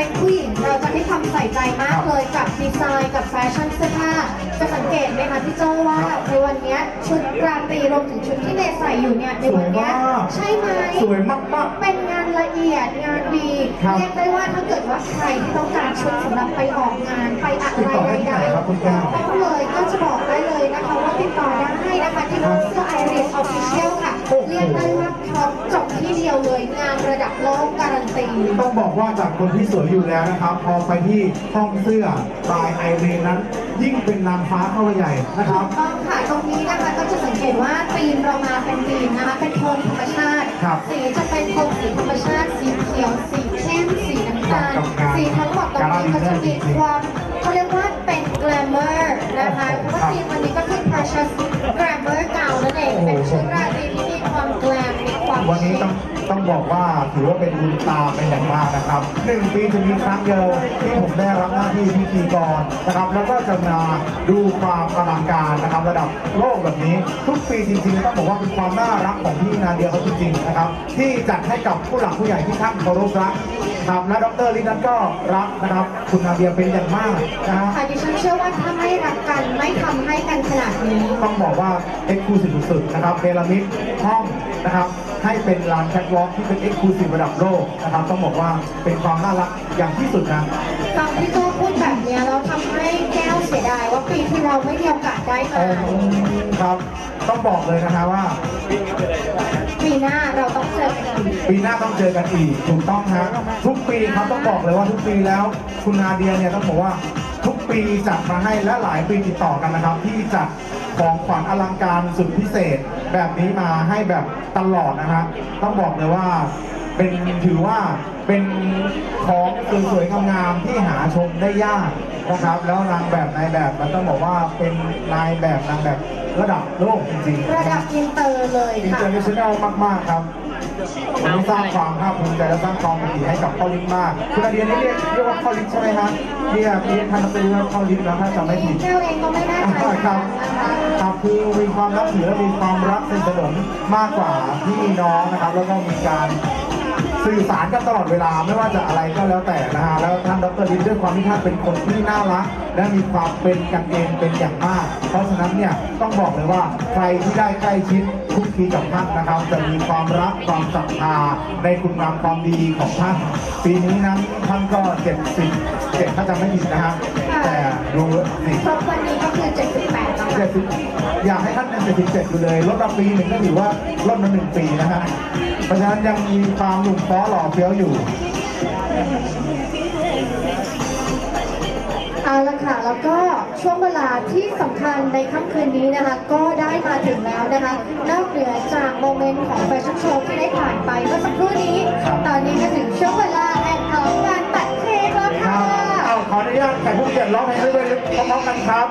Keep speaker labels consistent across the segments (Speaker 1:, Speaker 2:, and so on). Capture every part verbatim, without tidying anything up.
Speaker 1: เป็นผู้หญิงเราจะให้ความใส่ใจมากเลยกับดีไซน์กับแฟชั่นเสื้อผ้าจะสังเกตไหมคะพี่โจว่าในวันนี้ชุดราตรีรวมถึงชุดที่เนใส่อยู่เนี่ยในวันนี้ใช่ไหม
Speaker 2: สวยมากๆ
Speaker 1: เป็นงานละเอียดงานดีเรียกได้ว่าถ้าเกิดว่าใครที่ต้องการชุดสำหรับไปออกงานไปอะไรใดๆต้องเลยก็จะบอกได้เลยนะคะว่าติดต่อได้นะคะที่ร้านเสื้อไอริสออฟฟิเชียลค่ะเรียกได้ว่าครบจบที่เดียวเลยงานระดับโลกการันตี
Speaker 2: ต้องบอกว่าจากคนที่สวยอยู่แล้วนะครับพอไปที่ห้องเสื้อตายไอรีนนั้นยิ่งเป็นนางฟ้าเข้าไปใหญ่นะครับ
Speaker 1: ต้องค่ะตรงนี้นะคะก็จะสังเกตว่าธีมเรามาเป็นธีมนะคะเป็นโทนธรรมชาติสีจะเป็นโทนสีธรรมชาติสีเขียวสีเข้มสีน้ำตาลสีทั้งหมดตรงนี้ก็จะมีความเขาเรียกว่าเป็นแกลมเมอร์นะคะเพราะว่าธีมวันนี้ก็คือ precious glamour เก่านั่นเองเป็นชุดราตรีที่มีความแกลมมีความ
Speaker 2: วันนี้ต้องต้องบอกว่าถือว่าเป็นบุญตาเป็นอย่างมากนะครับหนึ่งปีจะมีครั้งเดียวที่ผมได้รับหน้าที่พิธีกรนะครับแล้วก็จะมาดูความอลังการนะครับระดับโลกแบบนี้ทุกปีจริงๆต้องบอกว่าเป็นความน่ารักของพี่นาเดียเขาจริงๆนะครับที่จัดให้กับผู้หลักผู้ใหญ่ที่ท่านเคารพรักครับและดร.ลินั้นก็รักนะครับคุณนาเดียเป็นอย่างมากนะฮะ
Speaker 1: ค่ะดิฉันเชื่อว่าถ้าไม่รักกันไม่ทำให้กันขนาดนี้
Speaker 2: ต้องบอกว่าเอ็กซ์คลูซีฟสุดๆนะครับเนรมิตห้องนะครับให้เป็นลานแคทวอล์กที่เป็นเอ็กซ์คลูซีฟระดับโลกนะครับต้องบอกว่าเป็นความน่ารักอย่างที่สุดนะ
Speaker 1: ตอนที่โจ้พูดแบบนี้เราทำให้แก้วเสียดายว่าปีที่เราไม่มีโอกาสได้มา
Speaker 2: ครับต้องบอกเลยนะคะว่า
Speaker 1: ปีหน้าเราต้องเจอกันอีก
Speaker 2: ปีหน้าต้องเจอกันอีกถูกต้องฮะทุกปีครับต้องบอกเลยว่าทุกปีแล้วคุณนาเดียเนี่ยต้องบอกว่าทุกปีจัดมาให้และหลายปีติดต่อกันนะครับที่จัดของขวัญอลังการสุดพิเศษแบบนี้มาให้แบบตลอดนะฮะต้องบอกเลยว่าเป็นถือว่าเป็นของสวยๆงามๆที่หาชมได้ยากนะครับแล้วนางแบบนายแบบมันต้องบอกว่าเป็นนายแบบนางแบบระดับโลกจริง
Speaker 1: ๆระดับอินเตอร์เลย
Speaker 2: ค่ะอินเตอร์เนชั่นแนลมากๆครับวันนี้สร้างความภาคภูมิใจและสร้างความดีให้กับพ่อลิ้นมากคุณอาเดียนี่เรียกเรียกว่าพ่อลิ้นใช่ไหมครับเรียกเรียกท่านเป็นว่าพ่อลิ้นแล้วถ้าจำไม่ผิด
Speaker 1: เจ้าเองก็ไม่แน่ใจ
Speaker 2: ครับครับคือมีความรักถือและมีความรักสนิทสนมมากกว่าพี่น้องนะครับแล้วก็มีการสื่อสารกันตลอดเวลาไม่ว่าจะอะไรก็แล้วแต่นะฮะแล้วท่านดร.ลินด้วยความที่ท่านเป็นคนที่น่ารักและมีความเป็นกันเองเป็นอย่างมากเพราะฉะนั้นเนี่ยต้องบอกเลยว่าใครที่ได้ใกล้ชิดคุกคีกับท่านนะครับจะมีความรักความศรัทธาในคุณงามความดีของท่านปีนี้นั้นท่านก็เจ็ดสิบเจ็ดถ้าจำไม่ผิดนะฮะแต่ดูสิ
Speaker 1: ครบวันนี้ก็คือเจ็ดสิบแปดแล้ว
Speaker 2: เจ็ดสิบอยากให้ท่านเป็นเจ็ดสิบเจ็ดอยู่เลยลดมาปีหนึ่งก็ถือว่าลดมาหนึ่งปีนะฮะเพราะฉะนั้นยังมีความหนุ่มฟ้อหล่อเฟี้ยวอยู่
Speaker 1: เอาละค่ะแล้วก็ช่วงเวลาที่สำคัญในค่ำคืนนี้นะคะก็ได้มาถึงแล้วนะคะนอกเหนือจากโมเมนต์ของแฟชั่นโชว์ที่ได้ผ่านไปเมื่อสักครู่นี้ตอนนี้ก็ถึงช่วงเวลาแห่งของการตัดเค้กแล้วค่ะ
Speaker 2: เอาขออนุญาตแขกผู้เกียรติร้องเพลงด้วยพร้อมๆกันครับ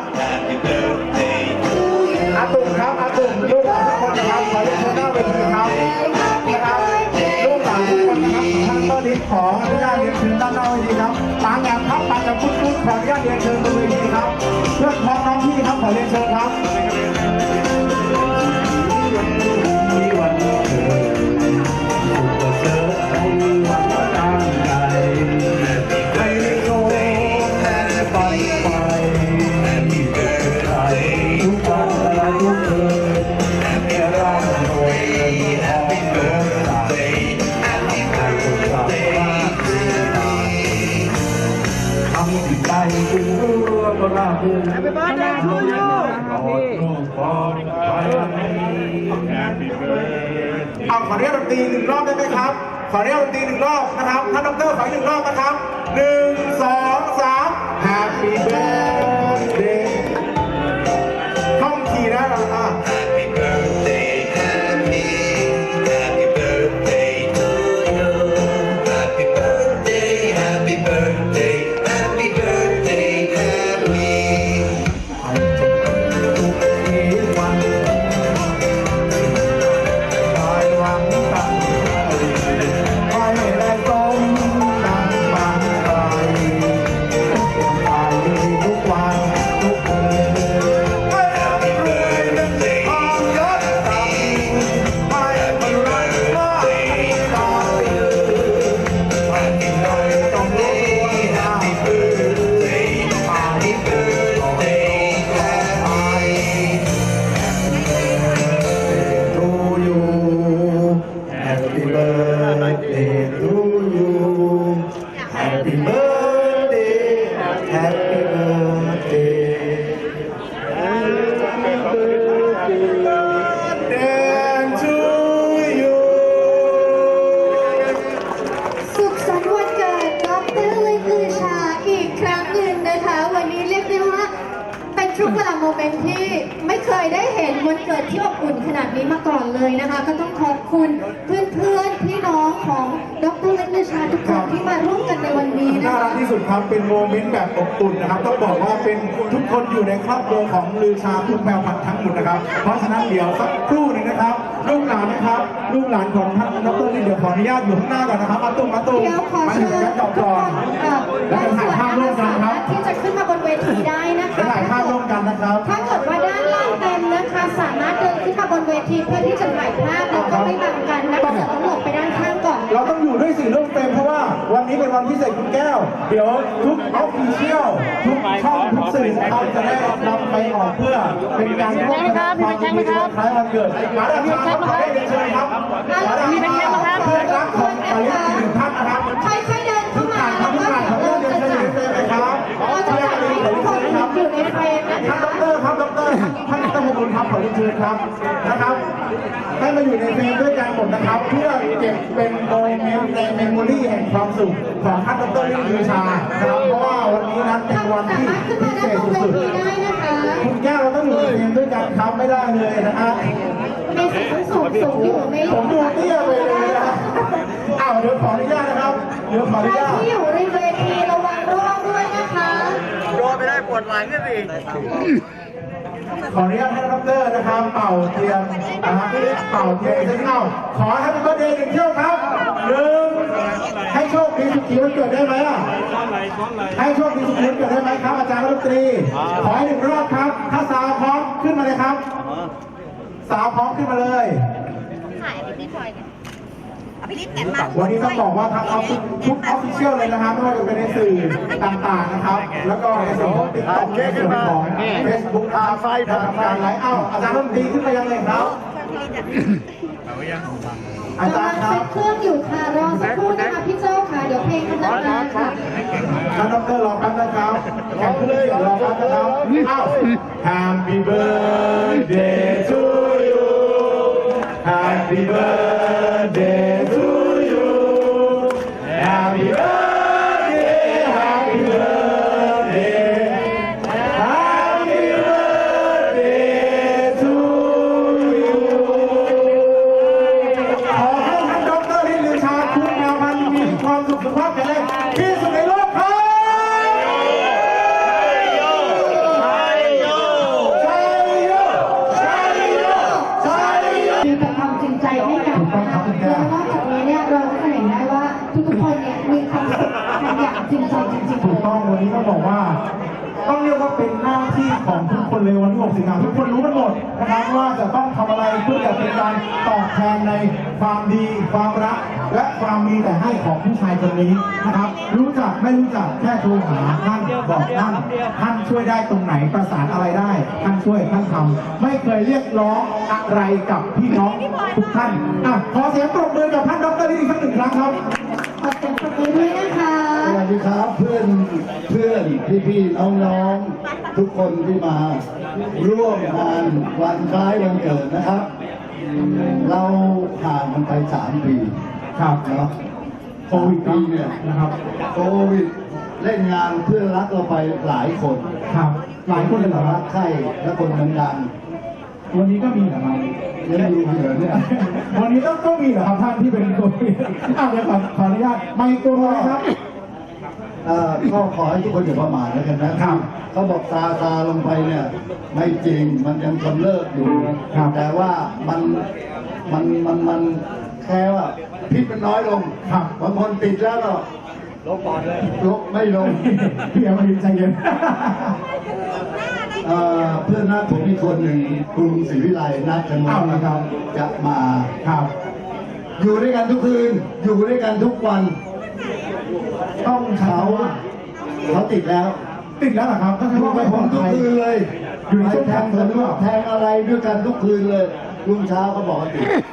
Speaker 2: อาตุ่มครับอาตุ่มลูกหลานทุกคนนะครับขอเรียนเชิญหน้าเวทีครับนะครับลูกหลานทุกคนนะครับท่านก็ลิ้นขออนุญาตเรียนเชิญด้านหน้าเวทีครับปางแอบครับปางกับคุณคุณขออนุญาตเรียนเชิญบนเวทีครับเพื่อนพ้องน้องพี่ครับขอเรียนเชิญครับมีวันเกิดสุขเจอในวันตั้งใจให้โลกแห่งไปไปทุกวันและทุกคืนแค่ร่างรวยเงินทองเกินใจให้ทุกสัปดาห์ทำสิ่งใดจึงรู้ก็ราบรื่นให้เป็นบ้านนาทูยูขอโลกปลอดภัยเอาขอเรียกดนตรีหนึ่งรอบได้ไหมครับขอเรียกดนตรีหนึ่งรอบนะครับท่านดร.ขอหนึ่งรอบนะครับหนึ่งสองสาม Happy Birthdayท่องขี่นะเราอ่ะ Happy Birthday Happy Happy Birthday to you Happy Birthday Happy Birthday Happy Birthday Happy ให้ทุกทีวันได้หวังตั้งใจให้ได้สมดังฝันใฝ่ birthday to you Happy birthday Happy birthday Happy birthday to you
Speaker 1: สุขสันต์วันเกิดดรเล็กลือชาอีกครั้งหนึ่งนะคะ วันนี้เรียกได้ว่าเป็นช่วงเวลาโมเมนต์ที่ไม่เคยได้เห็นวันเกิดที่อบอุ่นขนาดนี้มาก่อนเลยนะคะ ก็ต้องขอบคุณเพื่อนๆพี่น้องของดรเล็กลือชาทุกคนที่มาร่วมกันในวันนี้นะ
Speaker 2: น่ารั
Speaker 1: คะ
Speaker 2: กที่สุดครับเป็นโมเมนต์แบบอบอุ่นนะครับต้องบอกว่าเป็นทุกคนอยู่ในครอบครัวของลือชาทุกแมวพันธุ์ทั้งหมดนะครับเพราะฉะนั้นเดี๋ยวสักครู่หนึงนะครับลูกหลานนะครับลูกหลานของท่านดรลินเดี๋ยวขออนุญาตอยู่ข้างหน้าก่อนนะครับมาตุ้มมาตุ้ม
Speaker 1: เดี๋ยวขอ
Speaker 2: มา
Speaker 1: เชิ
Speaker 2: ถึง
Speaker 1: ญ
Speaker 2: กัน
Speaker 1: ทุ
Speaker 2: ก่
Speaker 1: ก
Speaker 2: อน
Speaker 1: ค
Speaker 2: ก่อน
Speaker 1: น
Speaker 2: แล้วจะถ่ายภาพร่วมกันครับ
Speaker 1: ที่จะขึ้นมาบนเวทีได้นะ
Speaker 2: จะ
Speaker 1: คะ
Speaker 2: ถ่ายภาพร่วมกันนะครับ
Speaker 1: ถ้าเกิดว่าด้านล่างเต็มนะคะ สามารถเดินขึ้นมาบนเวทีเพื่อที่จะถ่ายภาพแล้วก็ไม่บังกันนะคะแต่ต้องหลบไปด้านข้างก่อน
Speaker 2: เราต้องอยู่ด้วยสีร่มเต็มเพราะว่าวันนี้เป็นวันพิเศษคุณแก้ว เดี๋ยวทุกออฟฟิเชียลทุกช่องทุกสื่อนะครับจะได้นำไปออกเพื่อเป็นการร่วมกันความยินดีวันคล้ายวันเกิดมาดามครับขอได้เรียนเชิญครับมาดามครับเพื่อนรักของปาริสอีกหนึ่งท่านนะครับ
Speaker 1: ค่อยๆเดินเข้ามา
Speaker 2: ทุกท่านครับทุกท่านขอเรียนเชิญอยู่ในเฟรมเลยครับ
Speaker 1: เราจะจัดให้ทุกคนอยู่ในเฟรมนะ
Speaker 2: ท่าน
Speaker 1: คะ
Speaker 2: ดรครับดรท่านดรมงคลครับขอเรียนเชิญครับนะครับให้มาอยู่ในเฟรมด้วยกันหมดนะครับ เพื่อเก็บเป็นโมเมนต์ในเมมโมรี่แห่งความสุขของท่านดรลิงลือชานะครับเพราะว่าวันนี้นั้นเป็นวัน
Speaker 1: สา
Speaker 2: ที่
Speaker 1: มารถขึ้น
Speaker 2: พิ
Speaker 1: มา
Speaker 2: เศ
Speaker 1: ด้าน
Speaker 2: ษ
Speaker 1: บนเว
Speaker 2: สุด
Speaker 1: ทีได้นะคะ
Speaker 2: ๆคุณแก้วเราต้องอยู่ในเฟรมด้วยกันครับไม่ได้เลยนะฮะ
Speaker 1: มีสิทธิ์สูงสูงอยู่ไม่
Speaker 2: ผมดูเตี้ยไปเลยนะอ้าวเดี๋ยวขออนุญาตนะครับเดี๋ยวขออ
Speaker 1: ใค
Speaker 2: นุ
Speaker 1: ร
Speaker 2: ญาต
Speaker 1: ที่อยู่ในเวทีระวังร่วงด้วยนะคะ
Speaker 3: โดนไม่ได้ปวดหลังกันสิ
Speaker 2: ขออนุญาตให้ดรนะครับเป่าเทียนนะฮะเป่าเทียนอีกสักเท่าขอให้เป็นประเด็นหนึ่งเที่ยวครับหนึ่งให้โชคดีสุขีวันเกิดได้ไหมอ่ะให้โชคดีสุขีวันเกิดได้ไหมครับอาจารย์รัฐมนตรีขอให้หนึ่งรอบครับ ถ้าสาวพร้อมขึ้นมาเลยครับ สาวพร้อมขึ้นมาเลย
Speaker 4: ถ่ายพี่พลอยเนี่ยเอาพี่ลิศเนี่ยมา
Speaker 2: วันนี้ต้องบอกว่าทั้งออฟฟิศทุกออฟฟิเชียลเลยนะครับไม่ว่าจะเป็นในสื่อต่างๆนะครับ แล้วก็ในส่วนของติ๊กต็อกในส่วนของเฟซบุ๊กครับทำการไลฟ์เอ้าอาจารย์รัฐมนตรีขึ้นมายังเลยครับ อาจารย์ค
Speaker 1: กำ
Speaker 2: รั
Speaker 1: ลั
Speaker 2: บ
Speaker 1: งเซ็ตเครื่องอยู่ค่ะรอสักครู่นะคะพี่เจ้าค่ะเดี๋ยวเพลงกำลังมาค่ะ
Speaker 2: ท่านดรรอแป๊บนะครับแข่งเครื่องเสียงรอแป๊บนะครับเอ้า Happy birthday to you Happy birthday to you Happy birthday Happy birthday Happy birthday to you ขอให้ท่านดรลินลือชาคุณแมวพันธุ์มีความสุขสุขภาพแข็งแรงที่สุดในโลกครับ
Speaker 1: มีแต่ความจริงใจให้กันนะคะแล้วนอกจากนี้เนี่ยเราก็เห็นได้ว่าทุกๆคนเนี่ยมีความสุขกันอย่างจริงใจจริงๆ
Speaker 2: ถูกต้องวันนี้ต้องบอกว่า ต้องเรียกว่าเป็นหน้าที่ของทุกคนเลยวันที่หกสิงหาคมทุกคนรู้กันหมดนะครับว่าจะต้องทำอะไรเพื่อจะเป็นการตอบแทนในความดีความรัก และความมีแต่ให้ของผู้ชายคนนี้นะครับ รู้จักไม่รู้จักแค่โทรหาท่านบอกท่านท่านช่วยได้ตรงไหนประสานอะไรได้ท่านช่วยท่านทำไม่เคยเรียกร้องอะไรกับพี่น้องทุกท่านอ่ะขอเสียงปรบมือกับท่านดรลิอีกสักหนึ่งครั้งครับ
Speaker 1: ขอบคุณปรบมือด้วยนะคะ
Speaker 5: สวัสดีครับเพื่อนเพื่อนพี่พี่น้องน้องๆทุกคนที่มาร่วมงานวันคล้ายวันเกิดนะครับ เราห่างกันไปสามปี
Speaker 2: ครับ
Speaker 5: เนาะ
Speaker 2: โควิด
Speaker 5: ปีเนี่ย
Speaker 2: นะครับ
Speaker 5: โควิดเล่นงานเพื่อนรักเราไปหลายคน
Speaker 2: ครับ หลายคนเลยเหรอค
Speaker 5: รั
Speaker 2: รับ
Speaker 5: กใคร่และคนดัง
Speaker 2: วันนี้ก็มีเหรอครับ
Speaker 5: ๆยังมีเหลือเนี่ย
Speaker 2: วันนี้ต้องต้องมีเหรอครับท่านที่เป็นคนอ้าวเดี๋ยวขอขออนุญาตไมค์ตัวอะไรครับ
Speaker 5: เอ่อก็ขอให้ทุกคนอย่าประมาทแล้วกันนะครับ เขาบอกตาตาลงไปเนี่ยไม่จริงมันยังกำเริบอยู่
Speaker 2: ครับ
Speaker 5: แต่ว่ามันมันมันมันแค่ว่าพิษมันน้อยลง
Speaker 2: ครับ
Speaker 5: บางคนติดแล้วก็ลงปอดเลยลงไม่ลง
Speaker 2: พี่เอามาดินใจเย็น
Speaker 5: เอ่อเพื่อนนัดผมอีกคนหนึ่งกรุงศรีวิไลนัดกัน
Speaker 2: อ้าวเหรอครับ
Speaker 5: จะมา
Speaker 2: ครับ
Speaker 5: อยู่ด้วยกันทุกคืน อยู่ด้วยกันทุกวัน
Speaker 2: ต้องเขา
Speaker 5: เขาเขาติดแล้ว
Speaker 2: ติดแล้วเหรอครับก็
Speaker 5: อ
Speaker 2: ใช่
Speaker 5: ยู่
Speaker 2: ว่า
Speaker 5: กั
Speaker 2: ไม่
Speaker 5: บ
Speaker 2: ป
Speaker 5: ผ
Speaker 2: ลอ
Speaker 5: ม
Speaker 2: ด
Speaker 5: ทุก
Speaker 2: ภัย
Speaker 5: คืนเลย
Speaker 2: อยู่ในช่วง
Speaker 5: แท
Speaker 2: แข่
Speaker 5: ง
Speaker 2: ง
Speaker 5: ส
Speaker 2: ขันหรือ
Speaker 5: นุ
Speaker 2: เป
Speaker 5: ก
Speaker 2: ล่า
Speaker 5: แทงอะไรด้วยกันทุกคืนเลยรุ่งเช้าก็บอกว่าติด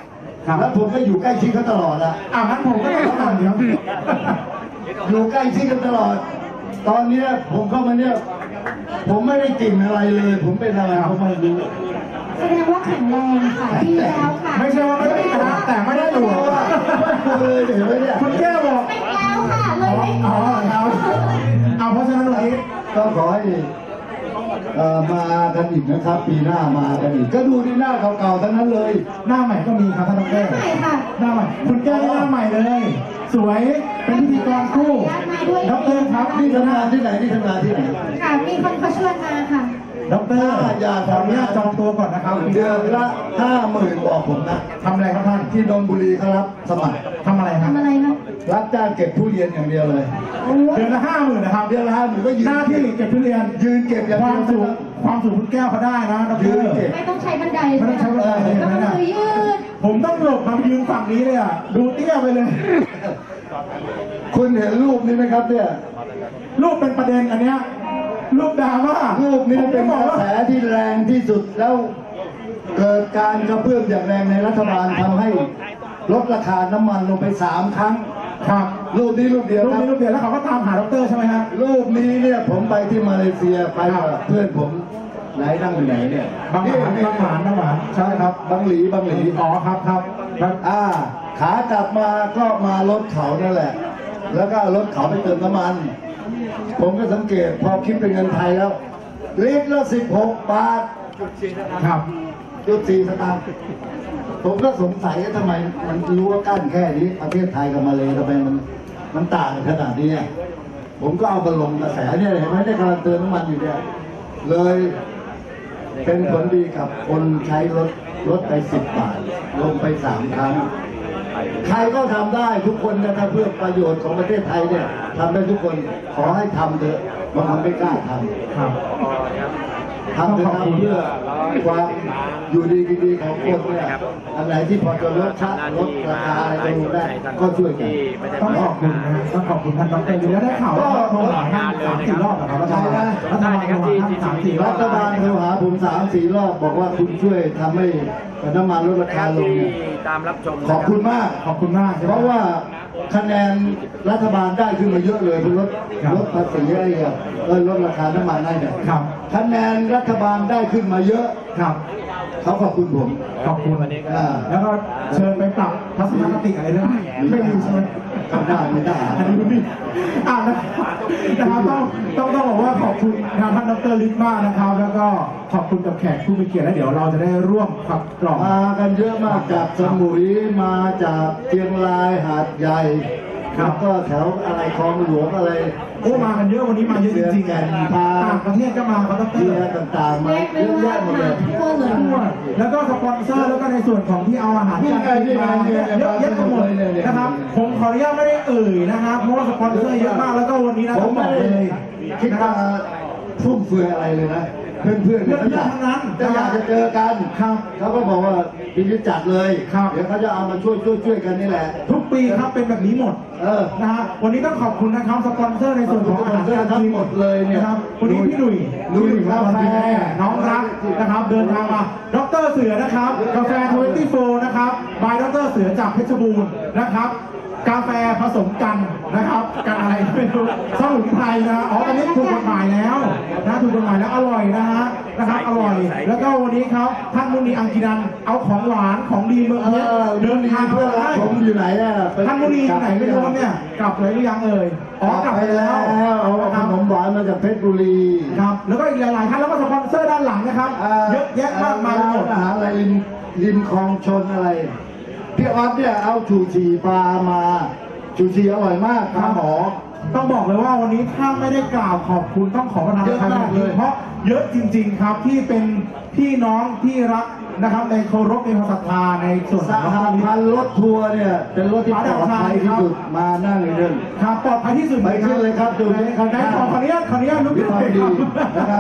Speaker 2: ครับ
Speaker 5: แล้วผมก็อยู่ใกล้ชิดเขาตลอดอะ
Speaker 2: อ่างั้นผมก็ต้องก่อนเดี๋ยว
Speaker 5: อยู่ใกล้ชิดกันตลอด ตอนเนี้ยผมเข้ามาเนี่ย ผมไม่ได้กลิ่นอะไรเลย ผมเป็นอะไรผมไม่รู้
Speaker 1: แสดงว่าแข็งแรงค่ะดีแล้วค่ะ
Speaker 2: ไม่ใช่ว่าไม่ได้นะแต่ไม่ได้หลวม
Speaker 5: ไม่เลยเห็นไหมเนี่ย
Speaker 2: คุณแก้วบอก
Speaker 1: เป็นแล้วค่ะเลยไม่
Speaker 2: อ๋อเอาเอาเพราะฉะนั้นวันนี้
Speaker 5: ก็ขอให้เอ่อมากันอีกนะครับ ปีหน้ามากันอีก ก็ดูที่หน้าเก่าๆทั้งนั้นเลย
Speaker 2: หน้าใหม่ก็มีครับท่านดอกเตอร
Speaker 1: ใช่ค่ะ
Speaker 2: หน้าใหม่คุณแก้วหน้าใหม่เลย สวยเป็นพิธีกรคู่ดอกเตอรครับ
Speaker 5: นี่
Speaker 2: นี่
Speaker 5: ทำ
Speaker 2: ทำงาง
Speaker 5: าน นที่ไหนนี่ทำงานที่ไหน
Speaker 1: ค่ะมีคนเขาชวนมาค่ะ
Speaker 2: ดอกเตอรขออนุญาตจองตัวก่อนนะครับ
Speaker 5: เดือนละห้าหมื่นบอกผมนะ
Speaker 2: ทำอะไรครับท่าน
Speaker 5: ที่นนทบุรีเขารับสมัคร
Speaker 2: ทำอะไรครับ
Speaker 1: ทำอะไรคะ
Speaker 5: รับจ้างเก็บทุเรียนอย่างเดียวเลย
Speaker 2: เดือนละห้าหมื่นนะครับ
Speaker 5: เดือนละห้าหมื่นก็ยืน
Speaker 2: หน้าที่เก็บทุเรียน
Speaker 5: ยืนเก็บอย่าง
Speaker 2: ค
Speaker 5: เดี
Speaker 2: วาม
Speaker 5: ยว
Speaker 2: สูงความสูงคุณแก้วเขาได้นะดอกเต
Speaker 5: ยื
Speaker 2: อน ร
Speaker 5: เก็บ
Speaker 1: ไม่ต้องใช้บันได
Speaker 2: ไม่ต้องใช้บันไดเลย
Speaker 1: แล้วก็
Speaker 2: นะ
Speaker 1: มือยืด
Speaker 2: ผมต้องหลบมายืนฝั่งนี้เลยอ่ะดูเตี้ยไปเลย
Speaker 5: คุณเห็นรูปนี้ไหมครับเนี่ย
Speaker 2: รูปเป็นประเด็นอันเนี้ยรูปดราม่า
Speaker 5: รูปนี้เป็น
Speaker 2: ผม
Speaker 5: ก
Speaker 2: จะบอก
Speaker 5: ระ
Speaker 2: ว่า
Speaker 5: แสที่แรงที่สุดแล้วเกิดการกระเพื่อมอย่างแรงในรัฐบาลทำให้ลดราคาน้ำมันลงไปสามครั้ง
Speaker 2: ครับ
Speaker 5: รูปนี้รูปเดียว
Speaker 2: รูป
Speaker 5: ครับ
Speaker 2: นี้รูปเดียวแล้วเขาก็ตามหาดอกเตอรใช่ไหมฮะ
Speaker 5: รูปนี้เนี่ยผมไปที่มาเลเซียไปกับเพื่อนผมไหนนั่งอยู่ไหนเนี่ย
Speaker 2: บางหมานบางหมานบางหมาน
Speaker 5: ใช่ครับบางหลีบางหลี
Speaker 2: อ๋อครับครับครับ
Speaker 5: อ่าขากลับมาก็มารถเขานั่นแหละ แล้วก็เอารถเขาไปเติมน้ำมัน ผมก็สังเกตพอคิดเป็นเงินไทยแล้วลิตรละสิบหกบาท
Speaker 2: ครับ
Speaker 5: จุดสี่สตางค์ผมก็สงสัยว่าทำไมมันรู้ว่ากั้นแค่นี้ประเทศไทยกับมาเลทำไมมันมันต่างกันขนาดนี้อะผมก็เอามาลงกระแสเนี่ยเห็นไหมได้กำลังเติมน้ำมันอยู่เนี่ยเลยเป็นผลดีกับคนใช้รถรถไปสิบบาท ลงไปสามครั้ง ใครก็ทำได้ทุกคนนะครับเพื่อประโยชน์ของประเทศไทยเนี่ยทำได้ทุกคนขอให้ทำเถอะบางคนไม่กล้าทำ
Speaker 2: ครับ
Speaker 5: ทำเถอะครับเพื่อความอยู่ดีกินดีของคนเนี่ยอันไหนที่พอจะลดชัดลดราคาอะไรลงได้ก็ช่วยกัน
Speaker 2: ต้องขอบคุณนะฮะต้องขอบคุณท่านดอกเตอรอยู่แล้วได้ข่าวว่าโทรหาท่านสามสี่รอบนะครับรัฐบาลรัฐบาลโทรหาท่านสามสี่รอ
Speaker 5: รับ ฐบาลโทรหาผมสามสี่รอบบอกว่าคุณช่วยทำให้น้ำมันลดราคาลงเนี่ย
Speaker 3: ตามรับชม
Speaker 5: ขอบคุณมาก
Speaker 2: ขอบคุณมากใช่ไหม
Speaker 5: เพราะว่าคะแนนรัฐบาลได้ขึ้นมาเยอะเลยเป็นลด
Speaker 2: ครับ
Speaker 5: ลดภาษีอะไรอ่ะเออลดราคาน้ำมันได้เนี่ย
Speaker 2: ครับ
Speaker 5: คะแนนรัฐบาลได้ขึ้นมาเยอะ
Speaker 2: ครับ
Speaker 5: เขาขอบคุณผม
Speaker 2: ขอบคุณ
Speaker 5: อ่า
Speaker 2: แล้วก็เชิญไปปรับทัศนคติอะไรเรื่องไม่มีใช่ไหม
Speaker 5: ทำได้ไม่ได้
Speaker 2: อันนี้ไม่มีอ่านะครับต้องต้องต้องบอกว่าขอบคุณทางท่านดรฤทธิ์มากนะครับ แล้วก็ขอบคุณกับแขกผู้มีเกียรติและเดี๋ยวเราจะได้ร่วมขับกล่อม
Speaker 5: มากันเยอะมากจากสมุยมาจากเชียงรายหาดใหญ่แล้วก็แถวอะไรคลองหลวงอะไร
Speaker 2: โอ้มากันเยอะวันนี้มาเยอะจริงๆ
Speaker 5: แก่น
Speaker 2: ต่
Speaker 5: พา
Speaker 2: างประเทศก็มาครับด
Speaker 5: เชีย
Speaker 2: ร
Speaker 5: ร์ต่างๆมา
Speaker 1: เรียก
Speaker 5: เย
Speaker 1: ได้
Speaker 5: อะ
Speaker 1: ว่า
Speaker 5: แยะหมดเลย
Speaker 1: มาทั่วเลย
Speaker 2: ทั่วแล้วก็สปอนเซอร์แล้วก็ในส่วนของที่เอาอาหารการกินมาเยอะแยะไปหมดนะครับผมขออนุญาตไม่ได้เอ่ยนะครับเพราะว่าสปอนเซอร์เยอะมากแล้วก็วันนี้นะ
Speaker 5: ผ
Speaker 2: ต้อ
Speaker 5: ม
Speaker 2: งบ
Speaker 5: ไม่
Speaker 2: อก
Speaker 5: ได้
Speaker 2: เลย
Speaker 5: คิด
Speaker 2: นะค
Speaker 5: จะ
Speaker 2: รับ
Speaker 5: ฟุ่มเฟือยอะไรเลยนะ เพื่อนๆเนี่ยเขาอยาก
Speaker 2: เพื่อนๆทั้งนั้น
Speaker 5: จะอยากจะเจอกัน
Speaker 2: ครับ
Speaker 5: เขาก็บอกว่าพิจิตจัดเลย
Speaker 2: ครับ
Speaker 5: เดี๋ยวเขาจะเอามาช่วยช่วยช่วยกันนี่แหละ
Speaker 2: ทุกปีครับเป็นแบบนี้หมด
Speaker 5: เออ
Speaker 2: นะฮะวันนี้ต้องขอบคุณนะครับสปอนเซอร์ในส่วนของอาหารการ
Speaker 5: ทั้
Speaker 2: กิ
Speaker 5: ง
Speaker 2: น
Speaker 5: หมดเลยเนี่ย
Speaker 2: นะครับวันนี้พี่หนุ่ย
Speaker 5: หนุ่ย
Speaker 2: พี่ครับ
Speaker 5: กาแฟ
Speaker 2: น้องรักนะครับ เดินทางมาดรเสือนะครับกาแฟทเวนตี้โฟนะครับบายดรเสือจากเพชรบูรณ์นะครับ กาแฟผสมกันนะครับกันอะไรไม่รู้สมุนไพรนะอ๋ออันนี้ถูกกฎหมายแล้วนะถูกกฎหมายแล้วอร่อยนะฮะนะครับอร่อย แล้วก็วันนี้ครับท่านมุนีอังกินันเอาของหวานของดีเมือง
Speaker 5: เอ
Speaker 2: เพชร
Speaker 5: อ
Speaker 2: เดินทาง
Speaker 5: เพื่อนรั
Speaker 2: ได้
Speaker 5: กผมอยู่ไหนอ่ะไป
Speaker 2: ท่านมุนีอยู่ไหนไม่รู้ครับเนี่ยกลับเลยหรือยังเอ่ยอ๋อก ก
Speaker 5: ลั
Speaker 2: ลั
Speaker 5: บบ ไป
Speaker 2: ไป
Speaker 5: แล้
Speaker 2: แล้ว ว
Speaker 5: เอาขนมหวานมาจากเพชรบุรี
Speaker 2: ครับแล้วก็อีกหลายๆท่านแล้วก็สปอนเซอร์ด้านหลังนะครับเยอะแยะมากมายไปหมด
Speaker 5: อาหารอะไรริมริมคลองชนอะไรพี่ออสเนี่ยเอาชูชีปลามาชูชีอร่อยมากครับหมอ
Speaker 2: ต้องบอกเลยว่าวันนี้ถ้าไม่ได้กล่าวขอบคุณต้องขอประทานอภัยจริงๆเพราะเยอะจริง ๆครับที่เป็นพี่น้องที่รักนะครับในเคารพในความศรัทธาในส่วน
Speaker 5: ส
Speaker 2: ของ
Speaker 5: หพันธ์รถทัวร์เนี่ยเป็นรถที่ปลอดภัยที่สุดมานั่งเลยเดิน
Speaker 2: ครับปลอดภัยที่สุด
Speaker 5: ไปขึ้นเลยครับดูที่ข้างๆ
Speaker 2: ไหนขอขออนุญาตขออนุญาตลุก
Speaker 5: วิ
Speaker 2: ขึ้น
Speaker 5: ภา
Speaker 2: เล
Speaker 5: วย ดี
Speaker 2: ครับ
Speaker 5: นะครับ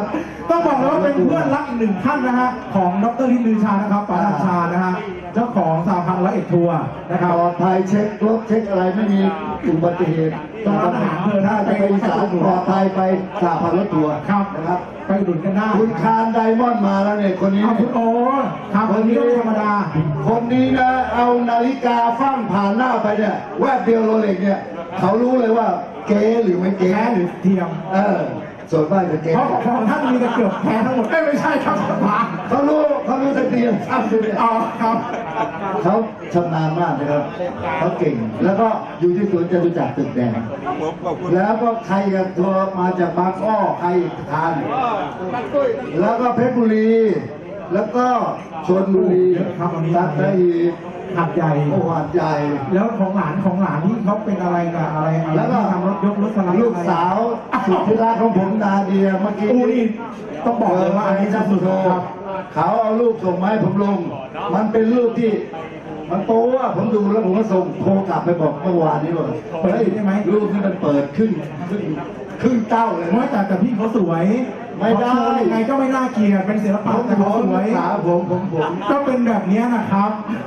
Speaker 2: ต้องบอกเลยว่าเป็นเพื่อนรักอีกหนึ่งท่านนะฮะของดรลินลือชานะครับปาราชานะฮะเจ้าของสหพันธ์ร้อยเอ็ดทัวร์นะครับ
Speaker 5: ปลอดภัยเช็ครถเช็คอะไรไม่มีอุบัติเหตุ
Speaker 2: ต้องร้านอาหารเธอนะ
Speaker 5: ถ้าจะไปอีสานปลอดภัยไปสาพันรถทัวร์
Speaker 2: ครับ
Speaker 5: นะครับ
Speaker 2: ไปอุดหนุนกันได้
Speaker 5: คุณคานไดมอนด์มาแล้วเนี่ยคนนี้
Speaker 2: เอาคุณโอ้ครับคนนี้ก็ไม่ธรรมดา
Speaker 5: คนนี้นะเอานาฬิกาฟั่งผ่านหน้าไปเนี่ยแวบเดียวโรเล็กเนี่ยเขารู้เลยว่าเก๋หรือไม่เก๋
Speaker 2: แท้หรือเทียม
Speaker 5: เออส่วนมากจะเก๋
Speaker 2: เพราะของท่านมีแต่เกือบแท้ทั้งหมดเอ้ยไม่ใช่ครับมา
Speaker 5: เขารู้เขารู้แต่เดียวทำเลยเนี่ย
Speaker 2: อ๋อครับ
Speaker 5: เขาชำนาญมากนะครับเขาเก่ง แล้วก็อยู่ที่สวนจตุจักรตึกแดง
Speaker 3: ผมขอบคุณ
Speaker 5: แล้วก็ใครกันทัวร์มาจากบางอ้อใครทาน แล้วก็เพชรบุรี แล้วก็ชลบุรี
Speaker 2: ครับวันนี้
Speaker 5: สัตหีบ
Speaker 2: หัดใหญ่
Speaker 5: โอ้หาดใหญ่
Speaker 2: แล้วของหลานของหลานที่เขาเป็นอะไรกับอะไรอะไร
Speaker 5: แล้วก็
Speaker 2: ที่ทำรถยกรถสไลด์
Speaker 5: ลูกสาวสุดที่รักของผมนาเดียเมื่อกี้
Speaker 2: อู้นี่ต้องบอกเลยว่าอันนี้
Speaker 5: ชั
Speaker 2: สุ
Speaker 5: ด
Speaker 2: ด
Speaker 5: โช
Speaker 2: ๆครับ
Speaker 5: เขาเอารูปส่งมาให้ผมลง มันเป็นรูปที่ มันโป๊ะผมดูแล้วผมก็ส่งโทรกลับไปบอกเมื่อวานนี้ว่าเฮ้ยรูปนี้มันเปิดขึ้นขึ้นขึ้นเต้าเลย
Speaker 2: ไม่แต่แต่พี่เขาสวย
Speaker 5: ไม่ได้
Speaker 2: เขาโชว์ยังไงก็ไม่น่าเกลียดเป็นศิล
Speaker 5: ผ
Speaker 2: ปะ
Speaker 5: ม
Speaker 2: แต่
Speaker 5: ผ
Speaker 2: เขา
Speaker 5: ม
Speaker 2: สวย
Speaker 5: ขาผมผมผม
Speaker 2: ก็เป็นแบบนี้นะครับ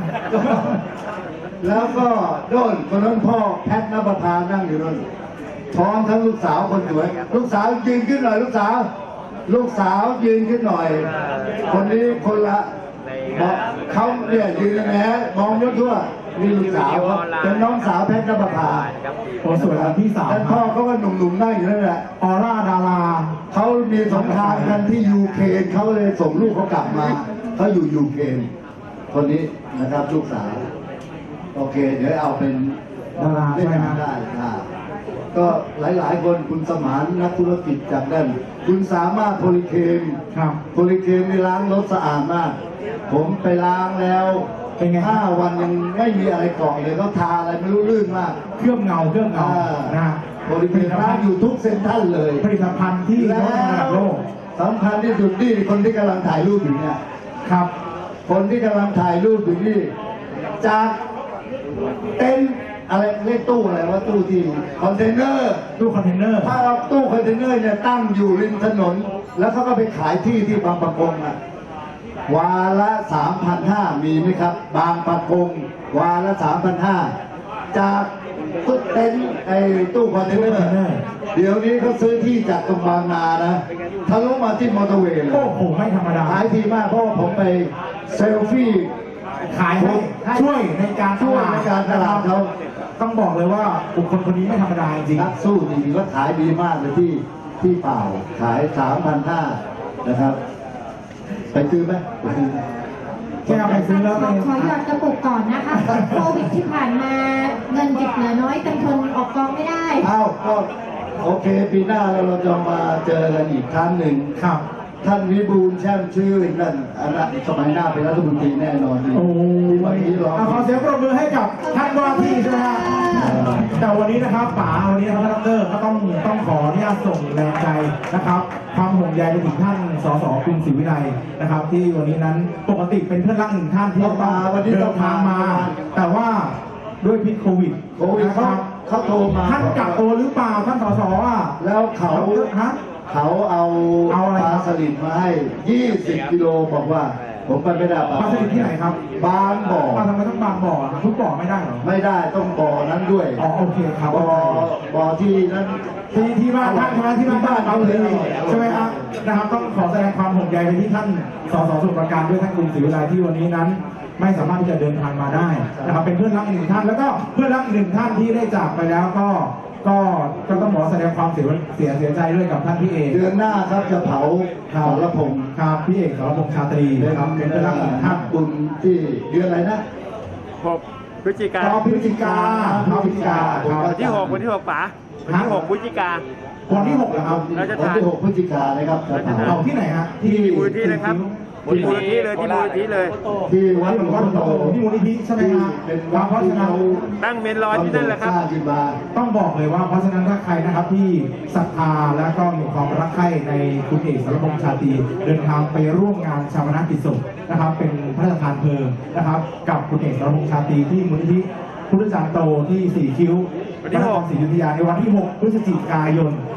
Speaker 5: แล้วก็โน่นคนนั้นพ่อแพทนภพานั่งอยู่นั่นพร้อมทั้งลูกสาวคนสวยลูกสาวยืนขึ้นหน่อยลูกสาว ลูกสาวยืนขึ้นหน่อย คนนี้คนละบอกเขาเนี่ยยืนแหมมองยกทั่วนี่ลูกสาวเขาเป็นน้องสาวแพทนภพา
Speaker 2: โอ้สวยแล้วพี่สาว
Speaker 5: แล้วพ่อเขาก็หนุ่มๆนั่งอยู่นั่นแหละ
Speaker 2: ออร่าดารา
Speaker 5: เขามีสงครามกันที่ยูเครนเขาเลยส่งลูกเขากลับมาเขาอยู่ยูเครนคนนี้นะครับลูกสาว โอเค เดี๋ยวเอาเป็น
Speaker 2: ดารา
Speaker 5: เล่
Speaker 2: ใช่
Speaker 5: น
Speaker 2: ไหม
Speaker 5: ได้ค่ะก็หลายๆ คนคุณสมานนักธุรกิจจากนั่นคุณสามารถโพลิเคม
Speaker 2: ครับ
Speaker 5: โพลิเคมนี่ล้างรถสะอาดมาก ผมไปล้างแล้ว
Speaker 2: เป็นไง
Speaker 5: ห้าวันยังไม่มีอะไรเกาะเลยเขาทาอะไรไม่รู้ลื่นมาก
Speaker 2: เครื่องเงาเครื่องเงา
Speaker 5: อ่า
Speaker 2: นะ
Speaker 5: โพลิเคมล้างอยู่ทุกเซ็นทรัลเลย
Speaker 2: ผลิตภัณฑ์ที่ย
Speaker 5: แล้
Speaker 2: กระดับโล
Speaker 5: ว
Speaker 2: ก
Speaker 5: สำคัญที่สุดนี่คนที่กำลังถ่ายรูปอยู่เนี่ย
Speaker 2: ครับ
Speaker 5: คนที่กำลังถ่ายรูปอยู่นี่จากเต็นท์อะไรเรียกตู้อะไรว่าตู้ที่คอนเทนเนอร์
Speaker 2: ตู้คอนเทนเนอร์
Speaker 5: ถ้าเอาตู้คอนเทนเนอร์เนี่ยตั้งอยู่ริมถนน แล้วเขาก็ไปขายที่ที่บางปะกงอ่ะวาละสามพันห้ามีไหมครับ บางปะกงวาละสามพันห้าจากตู้เต็นท์ไอ้ตู้คอนเทนเนอร์เดี๋ยวนี้เขาซื้อที่จากตรงบางนานะทะลุมาที่มอเตอร์เวย์เลย
Speaker 2: โอ้โหไม่ธรรมดา
Speaker 5: ขายดีมากเพราะว่าผมไปเซลฟี่
Speaker 2: ขายให้ช่วยในการ
Speaker 5: ช่วยในการตลาดเขา
Speaker 2: ต้องบอกเลยว่าบุคคลคนนี้ไม่ธรรมดาจริง
Speaker 5: นักสู้จริงๆก็ขายดีมากเลยที่ที่เปล่าขายสามพันห้านะครับ ไปซื้อไหมไปซื้อไหม
Speaker 2: แก้วไปซื้อแล้ว
Speaker 1: ข
Speaker 2: ไป
Speaker 1: อขอหยอดกระปุกก่อนนะคะโควิดที่ผ่านมาเงินเก็บเหลือน้อยเต็มทนออกกองไม่ได้
Speaker 5: อ้าวก็โอเค ปีหน้าเราเราจะมาเจอกันอีกครั้งหนึ่ง
Speaker 2: ครับ
Speaker 5: ท่านวิบูลย์แช่มชื่นนั่นอันนั้นสมัยหน้าเป็นรัฐมนตรีแน่นอนดี
Speaker 2: โอ้
Speaker 5: วัน
Speaker 2: ย
Speaker 5: นี้เรา
Speaker 2: ขอเสียงปรบมือให้กับท่านว่าที่ใช่ไหมฮะแต่วันนี้นะครับป๋าวันนี้นะครับท่านดรก็ต้องต้องขออนุญาตส่งแรงใจนะครับความห่วงใยไปถึงท่านสสกรุงศรีวิไลนะครับ ที่วันนี้นั้นปกติเป็นเพื่อนรักหนึ่งท่านที่
Speaker 5: ต้องมาวันนี้
Speaker 2: เดิ
Speaker 5: ต้อง
Speaker 2: นทางมา แต่ว่าด้วยพิษโควิด
Speaker 5: โควิด
Speaker 2: นะค
Speaker 5: เขา
Speaker 2: รับ
Speaker 5: เขาโทรมา
Speaker 2: ท่านกักตัวหรือเปล่าท่านสสอ่ะ
Speaker 5: แล้วเขา
Speaker 2: ฮะ
Speaker 5: เขาเอา
Speaker 2: เอาอะไร
Speaker 5: ป
Speaker 2: ครั
Speaker 5: ลา
Speaker 2: บ
Speaker 5: สลิดมาให้ยี่สิบกิโลบอกว่า ผมไปไม่ได้
Speaker 2: ปลาสลิดที่ไหนครับ
Speaker 5: บางบ่อ
Speaker 2: อ้าวทำไมต้องบางบ่ออ่ะทุกบ่อไม่ได้เหรอ
Speaker 5: ไม่ได้ต้องบ่อนั้นด้วย
Speaker 2: อ๋อโอเคครับ
Speaker 5: บ่อบ่อที่นั้น
Speaker 2: ที่ที่บ้านท่านใช่ไหมที่บ้านท่านเอาเลยใช่ไหมครับนะครับต้องขอแสดงความห่วงใยไปที่ท่านสสสมุทรปราการด้วยท่านกรุงศรีวิไลที่วันนี้นั้น ไม่สามารถที่จะเดินทางมาได้นะครับเป็นเพื่อนรักอีกหนึ่งท่านแล้วก็เพื่อนรักอีกหนึ่งท่านที่ได้จากไปแล้วก็ก็ก็ต้องขอแสดงความเสียเสียเสียใจด้วยกับท่านพี่เอก
Speaker 5: เดือนหน้าครับจะเผา
Speaker 2: ครั
Speaker 5: ส
Speaker 2: บ
Speaker 5: รพงษ์
Speaker 2: ครับพี่เอกสรพงษ์ชาตรีนะครับเป็นเพื่อนรักอีกหนึ่งท่าน
Speaker 5: บุญที่เดือนอะไรนะ
Speaker 3: หกพฤศจิกา
Speaker 2: พฤศจิกาพฤศจิกาครับ
Speaker 3: วันที่หกวันที่หกป๋าวันที่หกพฤศจิกา
Speaker 2: วันที่หกนะครับ
Speaker 3: เราจะ
Speaker 5: วันที่หกพฤศจิกายนนะครับจะเผา
Speaker 2: เอาที่ไหนฮะ
Speaker 3: ที่มูลนิธิเลยครับมูลนิธิเลยที่มูลนิธิเลย
Speaker 5: ที่วัดหลวง
Speaker 2: วั
Speaker 5: พ่
Speaker 2: ด
Speaker 5: อ
Speaker 2: หลวง
Speaker 5: โต
Speaker 2: พ่อโตที่มูลนิธิใช่ไหมครับ
Speaker 5: เป็น
Speaker 2: ค
Speaker 5: วั
Speaker 2: รับ
Speaker 5: ด
Speaker 2: เพราะ
Speaker 5: ที่
Speaker 2: ฉะนั้น
Speaker 5: เขา
Speaker 3: ตั้งเมนลอยที่นั่นแหละครับ
Speaker 5: สร้างขึ้นมา
Speaker 2: ต้องบอกเลยว่าเพราะฉะนั้นถ้าใครนะครับที่ศรัทธาและก็มีความรักใคร่ในคุณเอกสรพงษ์ชาตรีเดินทางไปร่วมงานชาปนกิจศพนะครับ เป็นพระราชทานเพลิงนะครับ กับคุณเอกสรพงษ์ชาตรีที่มูลนิธิพุทธจารย์โตที่สี่คิ้ว
Speaker 3: วันที่หก
Speaker 2: พระนครศรีอยุธยาในวันที่หกพฤศจิกายน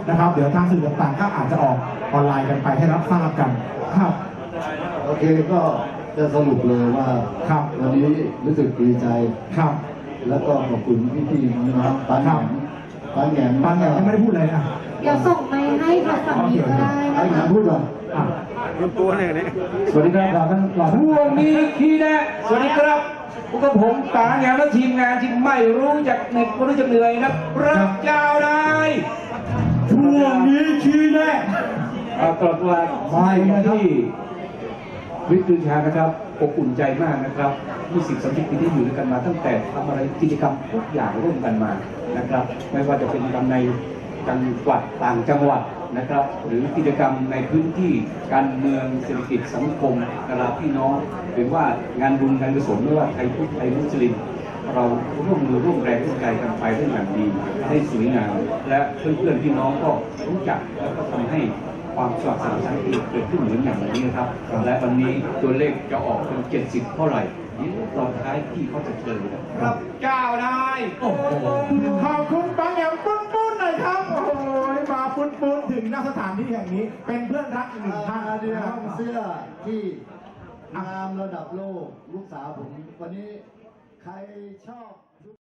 Speaker 2: นะครับ เดี๋ยวทางสื่อต่างๆก็อาจจะออกออนไลน์กันไปให้รับทราบกันครับ
Speaker 5: โอเคก็จะสรุปเลยว่า
Speaker 2: ครับ
Speaker 5: วันนี้รู้สึกดีใจ
Speaker 2: ครับ
Speaker 5: แล้วก็ขอบคุณพี่ๆน้องๆปันแหนมปันแหนม
Speaker 2: บางอย่างยังไม่ได้พูดเลยนะ
Speaker 1: เดี๋ยวส่งไมค์ให้ค่ะฝั่งนี้ก็ได้
Speaker 5: ไอ้
Speaker 1: นะ
Speaker 5: หนั
Speaker 1: คะ
Speaker 5: งพูดเหรอ
Speaker 2: อ่ะ
Speaker 3: คุณตัวหนึ่งนี่
Speaker 2: สวัสดีครับเราท่านเราท่าน
Speaker 6: ช่วงนี้คีแนะสวัสดีครับพวกกับผมป๋าแหนมและทีมงานที่ไม่รู้จักเหน็ดไม่รู้จักเหนื่อยครับรับยาวนาย
Speaker 2: ช่วงนี้ชี้แน่
Speaker 6: เอากลับมาที่วิทยานะครับอบอุ่นใจมากนะครับมีสิ่งสำคัญที่อยู่ด้วยกันมาตั้งแต่ทำอะไรกิจกรรมทุกอย่างร่วมกันมานะครับ ไม่ว่าจะเป็นกิจกรรมในจังหวัดต่างจังหวัดนะครับ หรือกิจกรรมในพื้นที่การเมืองเศรษฐกิจสังคมนะครับพี่น้องหรือว่างานบุญงานกุศลไม่ว่าไทยพุทธไทยมุสลิม เราร่วมมือร่วมแรงร่วมใจกันไปได้อย่างดีให้สวยงามและเพื่อนๆพี่น้องก็รู้จักแล้วก็ทำให้ความสมัครสมานเกิดขึ้นเหมือนอย่างวันนี้นะครับ และวันนี้ตัวเลขจะออกเป็นเจ็ดสิบเท่าไหร่นี่ตอนท้ายที่เขาจะเฉลยนะครับเจ้านายโอ้โห
Speaker 2: ขอบคุณบางอย่างปุ้นปุ้นหน่อยครับ โอ้โหมาปุ้นปุ้นถึงณสถานที่แห่งนี้ เป็นเพื่อนรักอีกหนึ่งท่าน
Speaker 5: อาเดีย
Speaker 2: นะครับ
Speaker 5: เสื้อที่งามระดับโลกลูกสาวผมวันนี้ใครชอบ